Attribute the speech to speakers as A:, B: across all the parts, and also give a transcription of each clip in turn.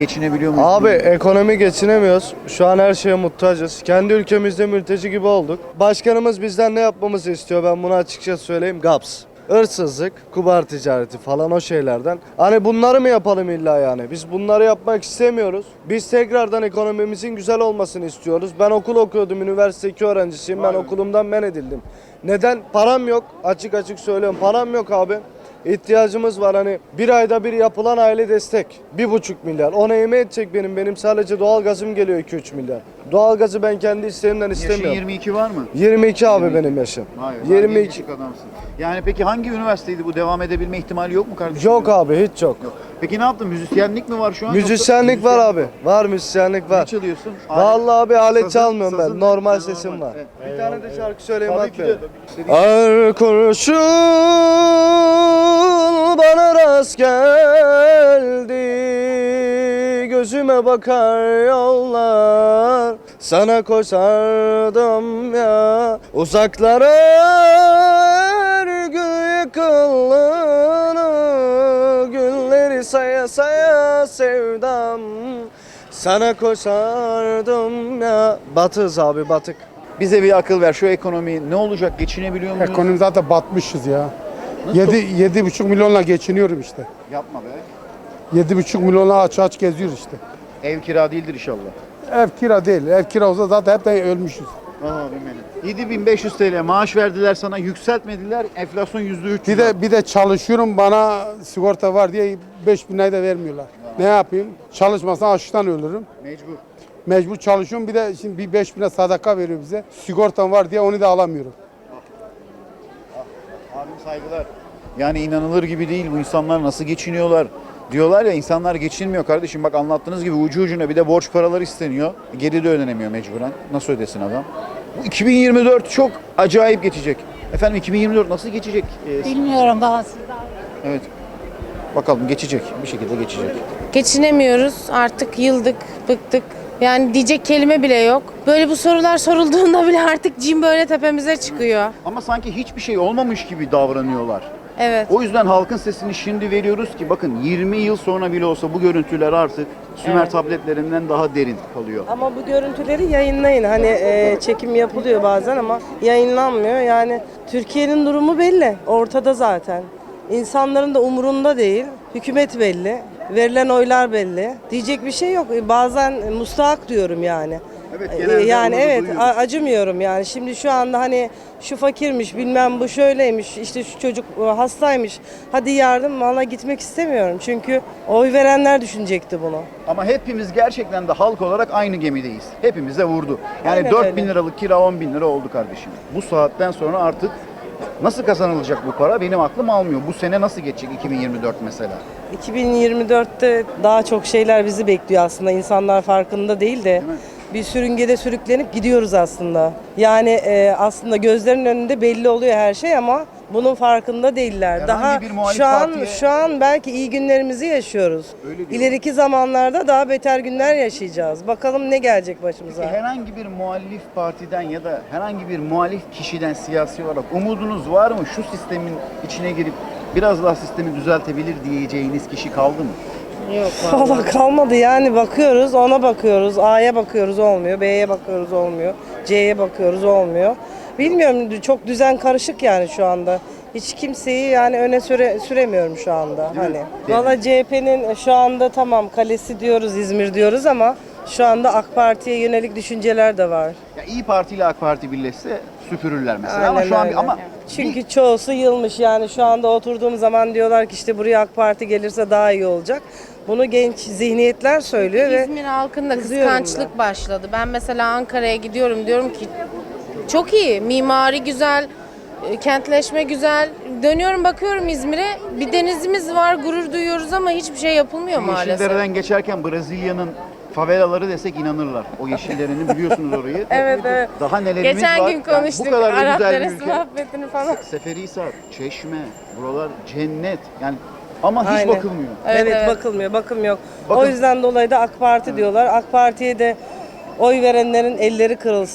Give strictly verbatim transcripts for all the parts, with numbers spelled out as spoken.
A: Geçinebiliyor muyuz?
B: Abi ekonomi geçinemiyoruz. Şu an her şeye muhtacız. Kendi ülkemizde mülteci gibi olduk. Başkanımız bizden ne yapmamızı istiyor, ben bunu açıkça söyleyeyim. Gaps. Hırsızlık, kumar ticareti falan, o şeylerden. Hani bunları mı yapalım illa yani? Biz bunları yapmak istemiyoruz. Biz tekrardan ekonomimizin güzel olmasını istiyoruz. Ben okul okuyordum, üniversite iki öğrencisiyim. Ben okulumdan men edildim. Neden? Param yok. Açık açık söylüyorum. Param yok abi. İhtiyacımız var, hani bir ayda bir yapılan aile destek bir buçuk milyar, ona yeme edecek benim benim sadece doğalgazım geliyor iki üç milyar. Doğalgazı ben kendi isteğimden istemiyorum.
A: Yaşın yirmi iki var mı?
B: yirmi iki abi benim yaşım.
A: Hayır,
B: yirmi iki.
A: gençlik adamsın. Yani peki hangi üniversiteydi bu, devam edebilme ihtimali yok mu kardeşim?
B: Yok abi, hiç yok.
A: Yok. Peki ne yaptın? Müzisyenlik mi var şu an?
B: Müzisyenlik
A: Yoksa
B: var
A: müzisyen-
B: abi. Var müzisyenlik
A: Ne
B: var.
A: çalıyorsun?
B: Vallahi abi alet
A: Sazın-
B: çalmıyorum ben.
A: sazın-
B: Normal
A: sazın
B: sesim
A: normal.
B: var.
A: Evet.
B: Bir tane de şarkı söyleyeyim
A: Tabii
B: bak
A: ki
B: be.
A: de. İstediğin-
B: Her kurşun bana rast geldi, gözüme bakar yollar, sana koşardım ya uzaklara, örgü yıkıldığını, günleri saya saya sevdam, sana koşardım ya. Batız abi, batık.
A: Bize bir akıl ver, şu ekonomi ne olacak, geçinebiliyor muyuz?
C: Ekonomi zaten batmışız ya.
A: Nasıl?
C: Yedi, yedi buçuk milyonla geçiniyorum işte.
A: Yapma be.
C: Yedi buçuk milyonla aç aç geziyoruz işte.
A: Ev kira değildir inşallah.
C: Ev kira değil. Ev kira olsa zaten hepten ölmüşüz.
A: Aha benim. yedi bin beş yüz T L maaş verdiler sana, yükseltmediler. Enflasyon yüzde üç.
C: Bir de bir de çalışıyorum, bana sigorta var diye beş bin lirayı da vermiyorlar. Ne yapayım? Çalışmasam açlıktan ölürüm.
A: Mecbur.
C: Mecbur çalışıyorum. Bir de şimdi bir beş bine sadaka veriyor bize. Sigortam var diye onu da alamıyorum.
A: Abim saygılar. Yani inanılır gibi değil, bu insanlar nasıl geçiniyorlar? Diyorlar ya, insanlar geçinmiyor kardeşim. Bak anlattığınız gibi ucu ucuna bir de borç paraları isteniyor. Geri de ödenemiyor mecburen. Nasıl ödesin adam? Bu iki bin yirmi dört çok acayip geçecek. Efendim iki bin yirmi dört nasıl geçecek? Ee,
D: Bilmiyorum bazı.
A: evet. Bakalım geçecek. Bir şekilde geçecek.
E: Geçinemiyoruz. Artık yıldık, bıktık. Yani diyecek kelime bile yok. Böyle bu sorular sorulduğunda bile artık cin böyle tepemize çıkıyor.
A: Ama sanki hiçbir şey olmamış gibi davranıyorlar.
E: Evet.
A: O yüzden halkın sesini şimdi veriyoruz ki bakın yirmi yıl sonra bile olsa bu görüntüler artık Sümer
E: Evet.
A: tabletlerinden daha derin kalıyor.
F: Ama bu görüntüleri yayınlayın. Hani e, çekim yapılıyor bazen ama yayınlanmıyor. Yani Türkiye'nin durumu belli. Ortada zaten. İnsanların da umurunda değil. Hükümet belli. Verilen oylar belli. Diyecek bir şey yok. E, Bazen mustahak diyorum yani.
A: Evet,
F: E,
A: genelde
F: yani
A: onu da
F: evet
A: duyuyoruz.
F: a- acımıyorum yani. Şimdi şu anda hani şu fakirmiş, bilmem bu şöyleymiş, işte şu çocuk e, hastaymış. Hadi yardım, valla gitmek istemiyorum. Çünkü oy verenler düşünecekti bunu.
A: Ama hepimiz gerçekten de halk olarak aynı gemideyiz. Hepimize vurdu. Yani
F: Aynen
A: dört
F: öyle.
A: bin liralık kira on bin lira oldu kardeşim. Bu saatten sonra artık nasıl kazanılacak bu para benim aklım almıyor. Bu sene nasıl geçecek iki bin yirmi dört mesela?
F: iki bin yirmi dörtte daha çok şeyler bizi bekliyor aslında. İnsanlar farkında değil de
A: mi?
F: bir sürüngede sürüklenip gidiyoruz aslında. Yani e, aslında gözlerinin önünde belli oluyor her şey ama bunun farkında değiller.
A: Herhangi
F: Daha
A: bir muhalif
F: şu an
A: partiye-
F: şu an belki iyi günlerimizi yaşıyoruz.
A: Öyle diyorlar.
F: İleriki zamanlarda daha beter günler yaşayacağız. Bakalım ne gelecek başımıza.
A: Herhangi bir muhalif partiden ya da herhangi bir muhalif kişiden siyasi olarak umudunuz var mı? Şu sistemin içine girip biraz daha sistemi düzeltebilir diyeceğiniz kişi kaldı mı?
F: Valla kalmadı yani, bakıyoruz, ona bakıyoruz, A'ya bakıyoruz olmuyor, B'ye bakıyoruz olmuyor, C'ye bakıyoruz olmuyor. Bilmiyorum, çok düzen karışık yani şu anda. Hiç kimseyi yani öne süre, süremiyorum şu anda.
A: Değil mi?
F: Hani.
A: Değil
F: Valla C H P'nin şu anda tamam kalesi diyoruz, İzmir diyoruz ama şu anda AK Parti'ye yönelik düşünceler de var.
A: Ya İyi Parti ile AK Parti birleşse süpürürler mesela ama
F: Aynen
A: şu an
F: öyle.
A: ama
F: Çünkü çoğusu yılmış yani, şu anda oturduğum zaman diyorlar ki işte buraya AK Parti gelirse daha iyi olacak. Bunu genç zihniyetler söylüyor ve
E: İzmir halkında
F: kızıyorum
E: kıskançlık başladı. Ben mesela Ankara'ya gidiyorum, diyorum ki çok iyi, mimari güzel, e, kentleşme güzel. Dönüyorum bakıyorum İzmir'e, bir denizimiz var, gurur duyuyoruz ama hiçbir şey yapılmıyor maalesef.
A: Yeşildere'den geçerken Brezilya'nın favelaları desek inanırlar. O Yeşildere'nin biliyorsunuz orayı.
E: Evet, evet.
A: Daha nelerimiz
E: Geçen
A: var.
E: gün
A: Yani
E: konuştuk
A: bu kadar da
E: Arap
A: güzel bir
E: Deresi
A: ülke.
E: muhabbetini falan.
A: Seferihisar, Çeşme, buralar cennet. Yani ama hiç
F: Aynen.
A: bakılmıyor.
E: Evet,
F: Evet,
E: evet.
F: bakılmıyor, bakım yok.
A: Bakın-
F: O yüzden dolayı da AK Parti diyorlar. AK Parti'ye de oy verenlerin elleri kırılsın.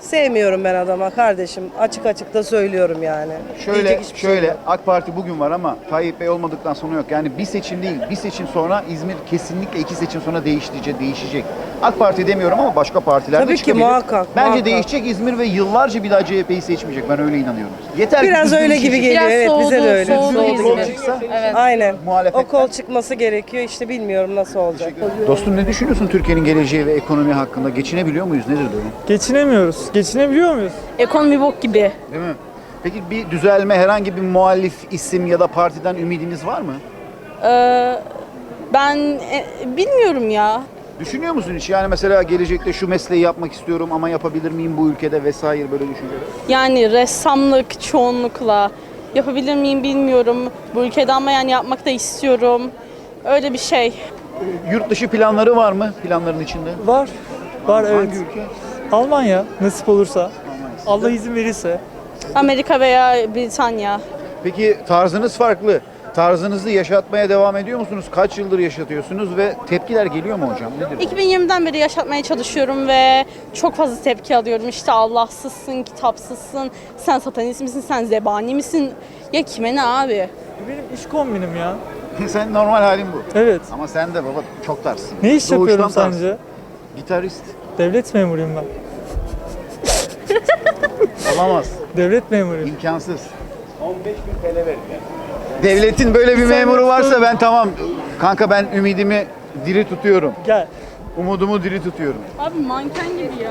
F: Sevmiyorum ben adama kardeşim. Açık açık da söylüyorum yani.
A: Şöyle
F: Diyecek hiçbir şey
A: şöyle
F: yok.
A: AK Parti bugün var ama Tayyip Bey olmadıktan sonra yok. Yani bir seçim değil, bir seçim sonra İzmir kesinlikle iki seçim sonra değişecek, değişecek. AK Parti demiyorum ama başka partiler de
F: Tabii ki,
A: çıkabilir.
F: muhakkak,
A: Bence
F: muhakkak.
A: değişecek İzmir ve yıllarca bir daha C H P'yi seçmeyecek. Ben öyle inanıyorum. Yeter ki
F: Biraz
A: düzgün
F: öyle
A: bir
F: gibi
A: şey
F: geliyor.
E: Biraz
F: Evet, bize
E: soğudu,
F: de öyle.
E: soğudu
A: Soğudu,
E: İzmir.
A: çıksa.
E: Evet.
F: Aynen.
A: Muhalefetten.
F: O kol çıkması gerekiyor. İşte bilmiyorum nasıl olacak.
A: Dostum ne düşünüyorsun Türkiye'nin geleceği ve ekonomi hakkında? Geçinebiliyor muyuz? Nedir durum?
D: Geçinemiyoruz. Geçinebiliyor muyuz?
G: Ekonomi bok gibi.
A: Değil mi? Peki bir düzelme, herhangi bir muhalif isim ya da partiden ümidiniz var mı?
G: Ee, ben e, bilmiyorum ya.
A: Düşünüyor musun hiç? Yani mesela gelecekte şu mesleği yapmak istiyorum ama yapabilir miyim bu ülkede vesaire böyle düşünceler?
G: Yani ressamlık çoğunlukla yapabilir miyim bilmiyorum. Bu ülkede ama yani yapmak da istiyorum. Öyle bir şey.
A: Yurt dışı planları var mı planların içinde?
D: Var. Var evet.
A: Hangi ülke?
D: Almanya nasip olursa. Allah izin verirse.
G: Amerika veya Britanya.
A: Peki tarzınız farklı. Tarzınızı yaşatmaya devam ediyor musunuz? Kaç yıldır yaşatıyorsunuz ve tepkiler geliyor mu hocam? Nedir?
G: iki bin yirmiden beri yaşatmaya çalışıyorum ve çok fazla tepki alıyorum. İşte Allahsızsın, kitapsızsın, sen satanist misin, sen zebani misin? Ya kime ne abi?
D: Benim iş kombinim ya.
A: Sen normal halin bu.
D: Evet.
A: Ama sen de baba çok tarzsın.
D: Ne iş yapıyorum
A: Doğuştan tarzsın.
D: sence?
A: Gitarist.
D: Devlet memuruyum ben.
A: Olamaz.
D: Devlet memuruyum.
A: İmkansız. on beş bin T L verin Devletin böyle bir memuru varsa ben tamam. Kanka ben ümidimi diri tutuyorum.
D: Gel.
A: Umudumu diri tutuyorum.
G: Abi manken gibi ya.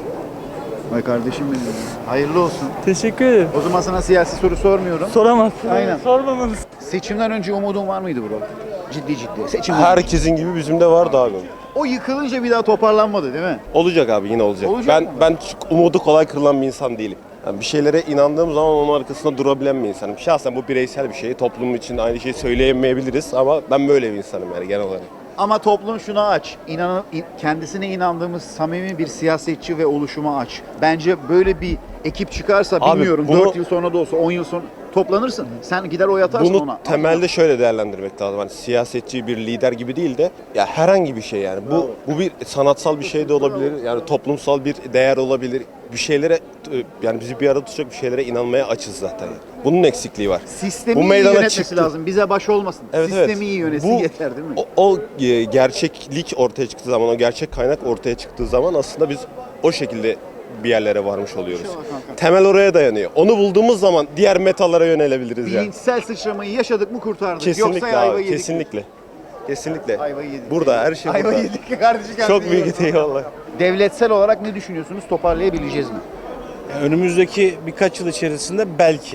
A: Vay kardeşim benim. Hayırlı olsun.
D: Teşekkür ederim.
A: O zaman sana siyasi soru sormuyorum.
D: Soramazsın.
A: Aynen.
D: Sormamanız.
A: Seçimden önce umudun var mıydı bro? Ciddi ciddi. Seçim
H: Herkesin gibi bizim de vardı abi.
A: O yıkılınca bir daha toparlanmadı değil mi?
H: Olacak abi yine olacak.
A: Olacak
H: ben
A: mı?
H: ben çok umudu kolay kırılan bir insan değilim. Yani bir şeylere inandığım zaman onun arkasında durabilen bir insanım. Şahsen bu bireysel bir şey. Toplum için aynı şeyi söyleyemeyebiliriz ama ben böyle bir insanım yani genel olarak.
A: Ama toplum şuna aç. İnan, kendisine inandığımız samimi bir siyasetçi ve oluşuma aç. Bence böyle bir ekip çıkarsa
H: Abi
A: bilmiyorum
H: bunu-
A: dört yıl sonra da olsa on yıl sonra toplanırsın. Sen gider oy atarsın
H: Bunu
A: ona.
H: temelde şöyle değerlendirmek lazım. Hani siyasetçi bir lider gibi değil de ya herhangi bir şey yani. Bu bu bir sanatsal bir şey de olabilir. Yani toplumsal bir değer olabilir. Bir şeylere yani bizi bir arada tutacak bir şeylere inanmaya açız zaten. Yani. Bunun eksikliği var.
A: Sistemi
H: Bu
A: iyi
H: meydana
A: yönetmesi
H: çıktı.
A: lazım. Bize baş olmasın.
H: Evet,
A: Sistemi
H: evet.
A: iyi yönetsin
H: Bu-
A: yeter değil mi?
H: O, o e, gerçeklik ortaya çıktığı zaman, o gerçek kaynak ortaya çıktığı zaman aslında biz o şekilde bir yerlere varmış oluyoruz.
A: İnşallah kanka.
H: Temel oraya dayanıyor. Onu bulduğumuz zaman diğer metalara yönelebiliriz yani.
A: Bilinçsel sıçramayı yaşadık mı kurtardık.
H: Kesinlikle
A: Yoksa ayva
H: abi,
A: yedik.
H: kesinlikle. Kesinlikle.
A: Ayvayı yedik.
H: Burada her şey
A: Ayva
H: burada.
A: yedik kardeşim.
H: Çok büyük eyvallah.
A: Devletsel olarak ne düşünüyorsunuz? Toparlayabileceğiz mi?
I: Önümüzdeki birkaç yıl içerisinde belki.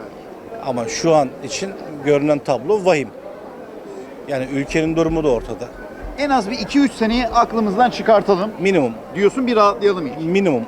I: Ama şu an için görünen tablo vahim. Yani ülkenin durumu da ortada.
A: En az bir iki üç seneyi aklımızdan çıkartalım.
I: Minimum,
A: Diyorsun bir rahatlayalım ilk.
I: minimum.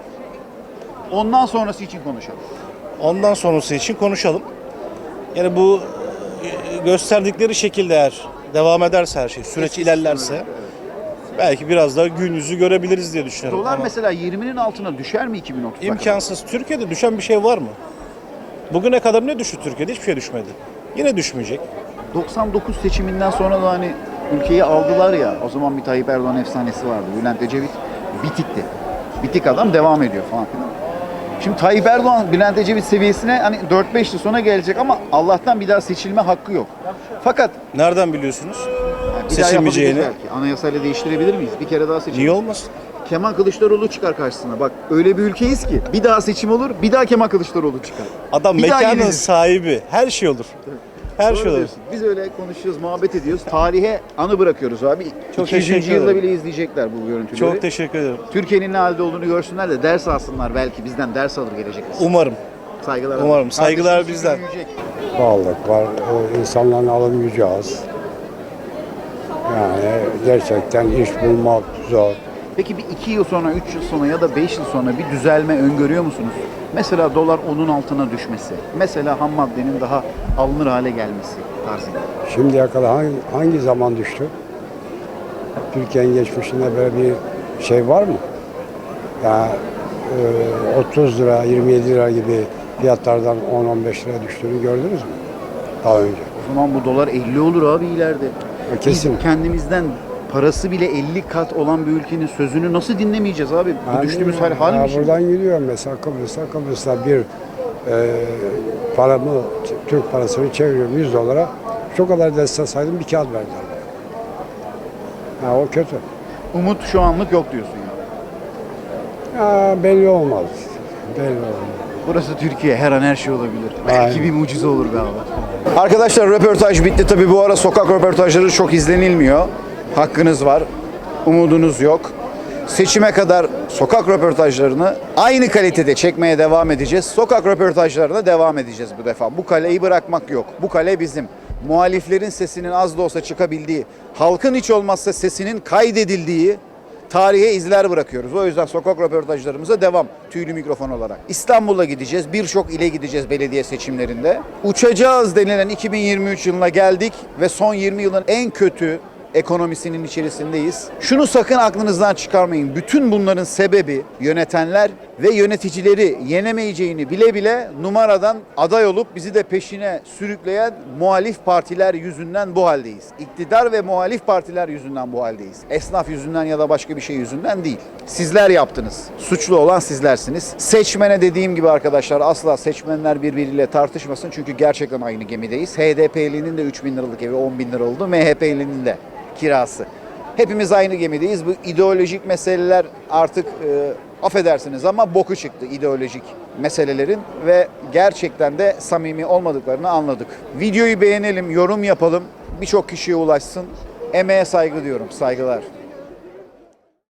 A: Ondan sonrası için konuşalım.
I: Ondan sonrası için konuşalım. Yani bu e, gösterdikleri şekilde eğer devam ederse her şey, süreç ilerlerse belki biraz daha gün yüzü görebiliriz diye düşünüyorum.
A: Dolar
I: Ama
A: mesela yirminin altına düşer mi iki bin otuzda?
I: imkansız. Türkiye'de düşen bir şey var mı? Bugüne kadar ne düştü Türkiye'de? Hiçbir şey düşmedi. Yine düşmeyecek.
A: doksan dokuz seçiminden sonra da hani ülkeyi aldılar ya. O zaman bir Tayyip Erdoğan efsanesi vardı. Bülent Ecevit bitikti. Bitik adam devam ediyor falan filan. Şimdi Tayyip Erdoğan Bülent Ecevit seviyesine hani dört beş yıl sonra gelecek ama Allah'tan bir daha seçilme hakkı yok. Fakat
I: Nereden biliyorsunuz?
A: yani bir daha
I: Seçilmeyeceğini.
A: yapabiliriz belki. Anayasayla değiştirebilir miyiz? Bir kere daha seçim.
I: Niye olmasın?
A: Kemal Kılıçdaroğlu çıkar karşısına. Bak öyle bir ülkeyiz ki bir daha seçim olur, bir daha Kemal Kılıçdaroğlu çıkar.
I: Adam
A: Bir daha
I: mekanın
A: yeniriz.
I: sahibi. Her şey olur. Her
A: Doğru
I: şey olur.
A: diyorsun. Biz öyle konuşuyoruz, muhabbet ediyoruz. Tarihe anı bırakıyoruz abi.
I: Çok
A: iki yüzüncü
I: teşekkür
A: yılda
I: ederim.
A: bile izleyecekler bu görüntüleri.
I: Çok teşekkür ederim.
A: Türkiye'nin ne halde olduğunu görsünler de ders alsınlar belki bizden ders alır gelecek nesil.
I: Umarım.
A: Saygılar.
I: Umarım. Saygılar
A: Kardeşimiz
I: bizden.
A: büyüyecek.
J: Pahalılık var, e, insanların alım gücü az. Yani gerçekten iş bulmak zor.
A: Peki bir iki yıl sonra, üç yıl sonra ya da beş yıl sonra bir düzelme öngörüyor musunuz? Mesela dolar onun altına düşmesi, mesela ham maddenin daha alınır hale gelmesi tarzında.
J: Şimdiye kadar hangi, hangi zaman düştü? Türkiye'nin geçmişinde böyle bir şey var mı? Ya e, otuz lira, yirmi yedi lira gibi fiyatlardan on on beş lira düştüğünü gördünüz mü? Daha önce.
A: O zaman bu dolar elli olur abi ileride.
J: Kesin.
A: Biz kendimizden parası bile elli kat olan bir ülkenin sözünü nasıl dinlemeyeceğiz abi? Bu
J: Yani,
A: düştüğümüz hal hal
J: ya
A: mi şimdi?
J: buradan gidiyorum mesela Kıbrıs'a. Kıbrıs'ta bir e, paramı, Türk parasını çeviriyorum yüz dolara. Şu kadar destek saydım bir kağıt verdiler. Ha, o kötü.
A: Umut şu anlık yok diyorsun ya.
J: Ya, belli olmaz. Belli olmaz.
A: Burası Türkiye. Her an her şey olabilir. Belki
J: Aynen.
A: bir mucize olur be abi. Arkadaşlar röportaj bitti. Tabii bu ara sokak röportajları çok izlenilmiyor. Hakkınız var. Umudunuz yok. Seçime kadar sokak röportajlarını aynı kalitede çekmeye devam edeceğiz. Sokak röportajlarına devam edeceğiz bu defa. Bu kaleyi bırakmak yok. Bu kale bizim. Muhaliflerin sesinin az da olsa çıkabildiği, halkın hiç olmazsa sesinin kaydedildiği tarihe izler bırakıyoruz. O yüzden sokak röportajlarımıza devam tüylü mikrofon olarak. İstanbul'a gideceğiz, birçok ile gideceğiz belediye seçimlerinde. Uçacağız denilen iki bin yirmi üç yılına geldik ve son yirmi yılın en kötü ekonomisinin içerisindeyiz. Şunu sakın aklınızdan çıkarmayın. Bütün bunların sebebi yönetenler ve yöneticileri yenemeyeceğini bile bile numaradan aday olup bizi de peşine sürükleyen muhalif partiler yüzünden bu haldeyiz. İktidar ve muhalif partiler yüzünden bu haldeyiz. Esnaf yüzünden ya da başka bir şey yüzünden değil. Sizler yaptınız. Suçlu olan sizlersiniz. Seçmene dediğim gibi arkadaşlar asla seçmenler birbiriyle tartışmasın. Çünkü gerçekten aynı gemideyiz. H D P'linin de üç bin liralık evi on bin lira oldu. M H P'linin de kirası. Hepimiz aynı gemideyiz. Bu ideolojik meseleler artık e, affedersiniz ama boku çıktı ideolojik meselelerin ve gerçekten de samimi olmadıklarını anladık. Videoyu beğenelim, yorum yapalım, birçok kişiye ulaşsın. Emeğe saygı diyorum, saygılar.